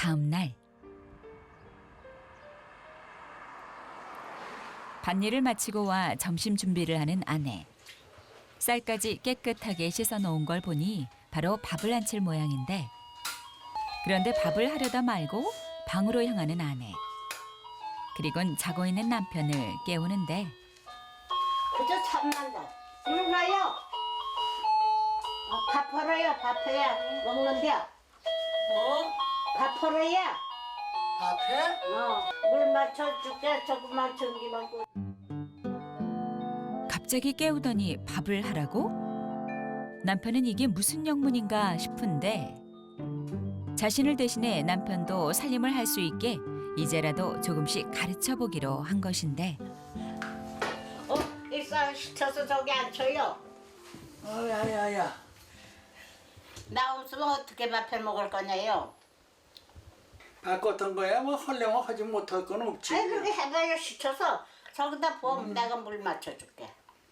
다음 날 밭일을 마치고 와 점심 준비를 하는 아내. 쌀까지 깨끗하게 씻어 놓은 걸 보니 바로 밥을 안칠 모양인데 그런데 밥을 하려다 말고 방으로 향하는 아내. 그리곤 자고 있는 남편을 깨우는데 그저 참난다. 일로 와요. 밥 벌어요. 밥 해야 먹는데. 밥 벌어야. 밥해? 물 맞춰줄게. 조금만 전기만 꽂. 갑자기 깨우더니 밥을 하라고? 남편은 이게 무슨 영문인가 싶은데 자신을 대신해 남편도 살림을 할 수 있게 이제라도 조금씩 가르쳐 보기로 한 것인데 이 쌀 시켜서 저기 앉혀요. 야야야. 나 없으면 어떻게 밥해 먹을 거냐요? 바꿨던 거야? 뭐 하려면 하지 못할 건 없지. 아니 그렇게 해봐요. 시켜서 저기다 부어 내가 물 맞춰줄게.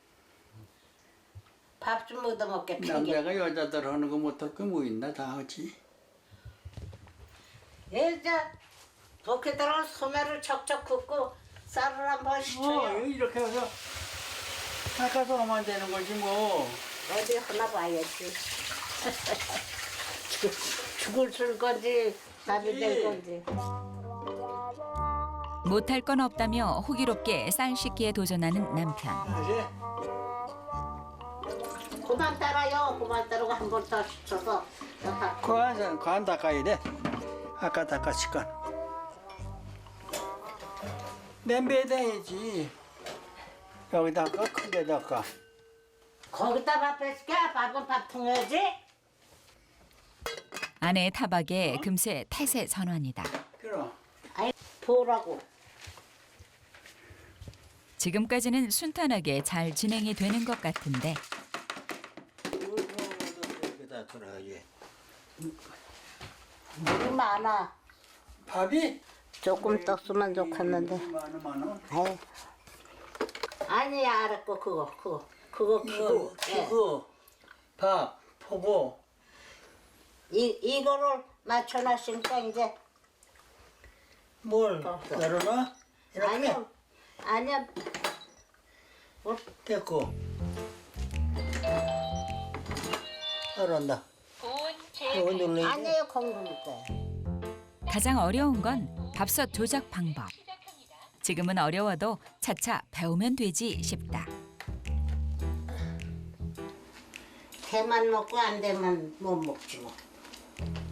밥 좀 얻어먹게 팽개. 남자가 여자들 하는 거 못할 거 뭐 있나? 다 하지. 이제 거기다가 소매를 척척 긋고 쌀을 한번 시켜요. 이렇게 해서 닦아서 하면 되는 거지 뭐. 어디 하나 봐야지. 죽을 줄 건지 밥이 될 건지. 못할 건 없다며 호기롭게 쌀 씻기에 도전하는 남편. 그지? 그만 따라요. 그만 따르고 한 번 더 시켜서 관 닦아야 돼. 아까 닦았을 건. 냄비에다 해야지. 여기다가 크게다가. 거기다 밥 뺏게. 밥은 밥통 해야지. 아내의 타박에 금세 태세 전환이다. 그럼. 아이 부으라고. 지금까지는 순탄하게 잘 진행이 되는 것 같은데 여기다 돌아가지. 물이 많아. 밥이? 조금 떴으면 좋겠는데. 많아. 아이. 아니야 알았고 그거 키고. 그거 밥 포고. 이거를 맞춰놨으니까 이제. 뭘 열어놔? 이렇게 아니야. 됐고. 알았나? 이거 눌러야지. 아니에요 공부니까. 가장 어려운 건 밥솥 조작 방법. 지금은 어려워도 차차 배우면 되지 싶다. 개만 먹고 안 되면 못 먹지 뭐.